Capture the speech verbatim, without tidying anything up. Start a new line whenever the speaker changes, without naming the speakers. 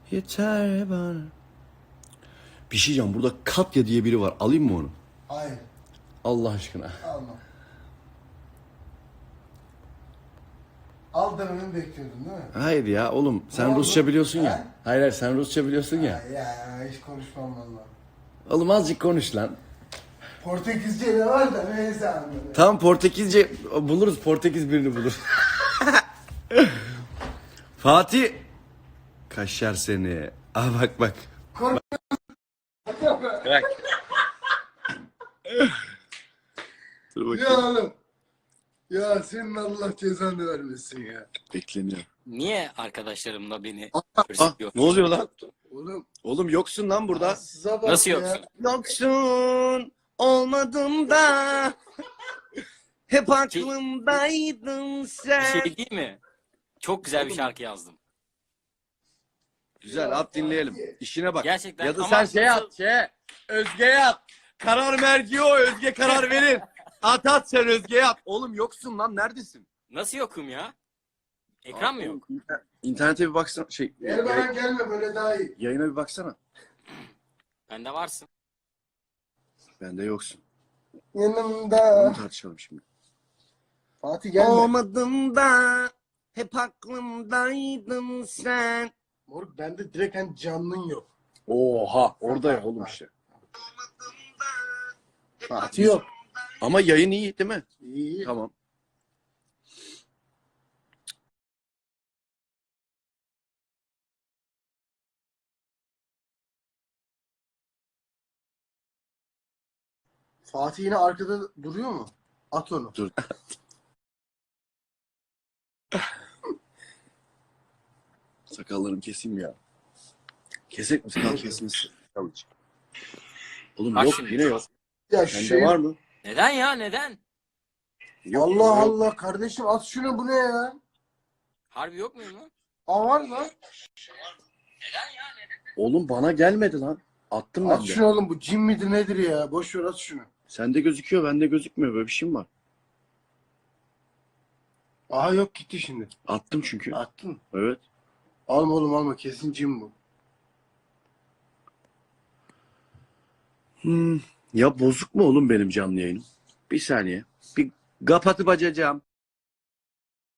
Yeter bana. Bir şey diyeceğim, burada Katya diye biri var. Alayım mı onu?
Hayır.
Allah aşkına.
Alma. Al dememi bekliyordun değil mi?
Hayır ya oğlum, sen
Ne oldu?
Rusça biliyorsun ya.
Ha?
Hayır hayır, sen Rusça biliyorsun ya.
Ya, ya hiç konuşmam valla.
Oğlum azıcık konuş lan.
Portekizce de var da neyse anladım.
Tamam, Portekizce buluruz, Portekiz birini bulur. Fatih. Kaşar seni. Aa bak bak.
Kork-
Bak. Dur
Ya
bakayım.
oğlum. Ya senin Allah cezanı vermesin ya.
Bekleniyor.
Niye arkadaşlarımla beni
Ah,
hırsızlıyor?
ne oluyor lan?
Oğlum.
Oğlum yoksun lan burada.
Size bak
Nasıl
ya.
yoksun?
Yoksun olmadım da hep aklımdaydın
Bir
sen.
şey değil mi? Çok güzel bir şarkı yazdım.
Güzel, at dinleyelim. İşine bak.
Gerçekten
Ya da
ama
sen şey
nasıl-
at, şey. Özge'ye at. Karar merci o, Özge karar verir. At at sen Özge'ye at. Oğlum yoksun lan, neredesin?
Nasıl yokum ya? Ekran mı yok?
İnternete bir baksana. Şey,
Gel bana gelme böyle daha iyi.
yayına bir baksana.
Bende varsın.
Bende yoksun.
Yanımda.
Bunu tartışalım şimdi.
Fatih gelme.
Olmadım da hep aklımdaydın sen.
Moruk bende direkt hani canlın yok.
Oha, orada ya oğlum işte.
Fatih yok.
Ama yayın iyi değil mi?
İyi.
Tamam.
Fatih yine arkada duruyor mu? At onu.
Dur. Sakallarımı keseyim ya. Kesek mi? Sakal kesmesi. Tamam. Oğlum
Bak
yok,
şimdi.
yine yok.
Ya
Sende
şey.
var mı?
Neden ya? Neden?
Yok,
Allah
yok.
Allah kardeşim at şunu, bu ne ya?
Harbi yok muyum lan?
Aa var lan.
Oğlum bana gelmedi lan. Attım ben
At
de.
şunu oğlum, bu cin midir nedir ya? Boş ver, at şunu.
Sende gözüküyor, bende gözükmüyor. Böyle bir şey mi var?
Aha yok, gitti şimdi.
Attım çünkü.
Attın.
Evet.
Alma oğlum alma, kesin cin bu.
Hmm. Ya bozuk mu oğlum benim canlı yayınım? Bir saniye. Bir kapatıp açacağım.